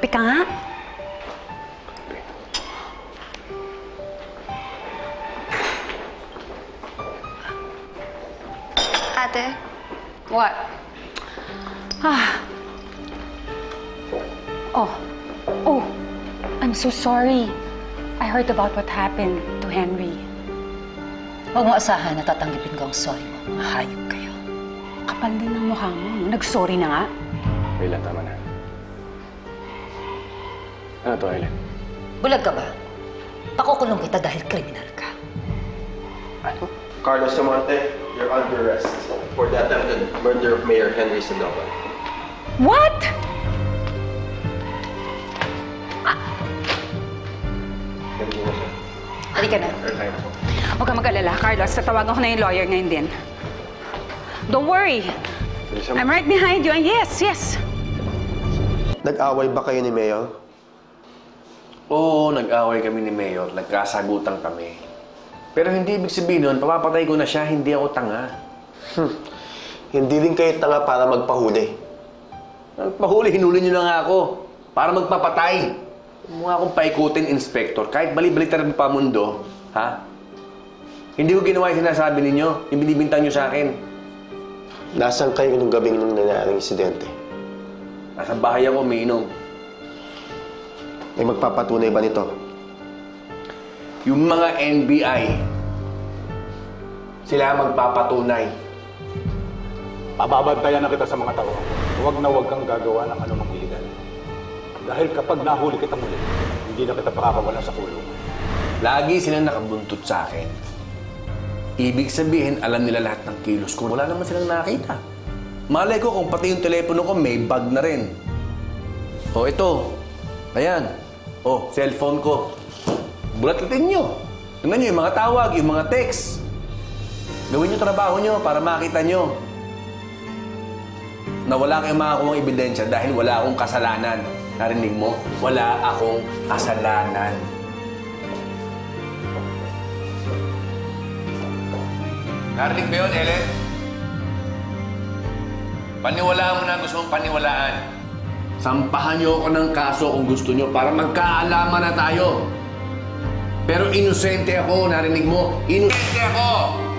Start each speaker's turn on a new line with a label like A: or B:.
A: Kape ka nga.
B: Ate?
A: What? Oh, I'm so sorry. I heard about what happened to Henry.
C: Huwag mo asahan na tatanggipin ko ang sorry mo. Mahayop kayo.
A: Kapal din ng mukha mo. Nag-sorry na nga.
D: Ayla, tama na. Ano to, Ayla?
C: Bulag ka ba? Pakukulong kita dahil kriminal ka.
D: Ano?
E: Carlos Samonte, you're under arrest for the attempted murder of Mayor Henry Sandoval.
A: What?
E: Ganun mo siya.
C: Halika na.
A: Huwag kang mag-alala, Carlos. Tatawagan ko na yung lawyer ngayon din. Don't worry. I'm right behind you. And yes.
E: Nag-away ba kayo ni Mayor?
D: Oo, nag-away kami ni Mayor. Nagkasagutan kami. Pero hindi ibig sabihin nun, papapatay ko na siya, hindi ako tanga.
E: Hindi din kayo tanga para magpahuli.
D: Nagpahuli, hinuli niyo na nga ako. Para magpapatay. Mukha akong paikutin, Inspector. Kahit bali-baliktad pa mundo, ha? Hindi ko ginawa yung sinasabi ninyo, yung binibintang niyo sa akin.
E: Nasaan kayo nung gabing nung nangyaring insidente?
D: Nasa bahay ako, umiinom.
E: May magpapatunay ba nito?
D: Yung mga NBI, sila magpapatunay.
F: Pababantayan na kita sa mga tao. Huwag na huwag kang gagawa ng anumang iligal. Dahil kapag nahuli kita muli, hindi na kita pakakawalan sa kulungan.
D: Lagi silang nakabuntot sa akin. Ibig sabihin, alam nila lahat ng kilos ko. Wala naman silang nakita. Malay ko kung pati yung telepono ko may bag na rin. O ito, ayan. O, cellphone ko. Bulatitin nyo. Tingnan nyo yung mga tawag, yung mga text. Gawin nyo trabaho nyo para makita nyo na wala kayong makakuha ebidensya dahil wala akong kasalanan. Narinig mo? Wala akong kasalanan. Narinig ba yun, Ellen? Paniwalaan mo na gusto mong paniwalaan. Sampahan niyo ako ng kaso kung gusto niyo para magkaalaman na tayo. Pero inosente ako, narinig mo? Inosente ako!